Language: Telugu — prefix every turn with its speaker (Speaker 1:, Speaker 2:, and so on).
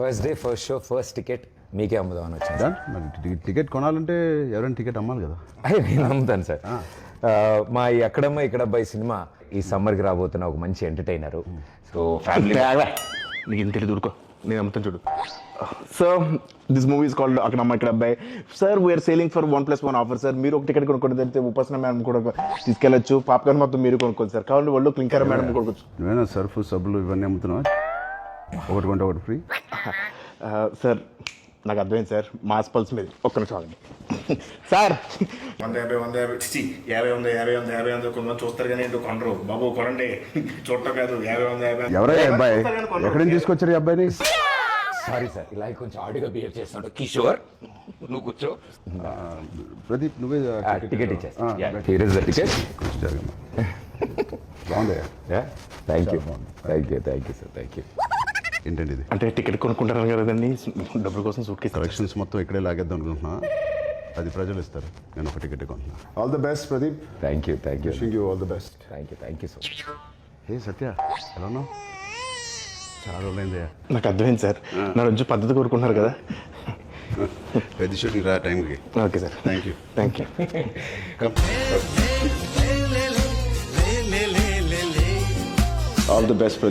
Speaker 1: First day first show first ticket మీకే అమ్ముదామని వచ్చాను.
Speaker 2: Done? మరి టికెట్ కొనాలంటే ఎవరైనా టికెట్ అమ్మాలి కదా.
Speaker 1: అదే నేను అమ్ముతాను సార్. మా ఈ అక్కడమ్మ ఇక్కడ అబ్బాయి సినిమా ఈ సమ్మర్కి రాబోతున్న ఒక మంచి ఎంటర్టైనర్. సో ఫ్యామిలీ
Speaker 3: నీకు ఇంత తెలియదు ఊరుకో, నేను అమ్ముతాను చూడు. Sir this movie is called అక్కడమ్మ ఇక్కడ అబ్బాయి. Sir we are selling for 1+1 offer sir. మీరు ఒక టికెట్ కొనుక్కోండి, తెలిస్తే ఉపాసన మేడం కూడా తీసుకెళ్ళచ్చు. పాప్కార్న్ మొత్తం మీరు కొనుక్కోండి సార్. కావాలి వాళ్ళు క్లింకర్ మేడం కొనుక్కోవచ్చు.
Speaker 2: నువ్వేనా సర్ఫ్ సబ్బులు ఇవన్నీ అమ్ముతున్నావా? ఒకటి కొంటే ఒకటి ఫ్రీ.
Speaker 3: సార్ నాకు అర్థమైంది సార్, మాస్ పల్స్ మీద ఒక్క నిమిషం ఆగండి సార్.
Speaker 4: 150 కొంతమంది చూస్తారు కానీ ఏంటో కొనరు. బాబు కొనండి, చూడటం కాదు. 50
Speaker 2: ఎవరయ్యా అబ్బాయి? ఎక్కడి నుంచి తీసుకొచ్చారు ఈ అబ్బాయిని?
Speaker 1: సారీ సార్, ఇలా కొంచెం ఆడిగా బిహేవ్ చేస్తున్నాడు. కిషోర్ నువ్వు కూర్చో.
Speaker 2: ప్రదీప్ నువ్వే
Speaker 1: టికెట్ ఇచ్చేస్తా. Here is the ticket.
Speaker 2: బాగుందయ్యా.
Speaker 1: Thank you sir, thank you.
Speaker 2: ఏంటండి ఇది?
Speaker 3: అంటే టికెట్ కొనుక్కుంటారు కదండి, డబ్బుల కోసం సూట్ కేసు.
Speaker 2: కలెక్షన్స్ మొత్తం ఇక్కడే లాగేద్దాం అనుకుంటున్నా. అది ప్రజలు ఇస్తారు, నేను ఒక టికెట్ కొంటున్నా. All the best Pradeep.
Speaker 1: Thank you
Speaker 2: wishing you all the best.
Speaker 1: Thank you so much.
Speaker 2: Hey Satya, ఎలా ఉన్నావు? చాలా రోజులైందయ్యా.
Speaker 3: నాకు అర్థమైంది సార్, నా నుంచి పద్ధతి కోరుకుంటున్నారు కదా.
Speaker 2: పెద్ద షూటింగ్ రా టైంకి.
Speaker 3: Okay sir,
Speaker 2: thank you.
Speaker 3: Thank you. All the best.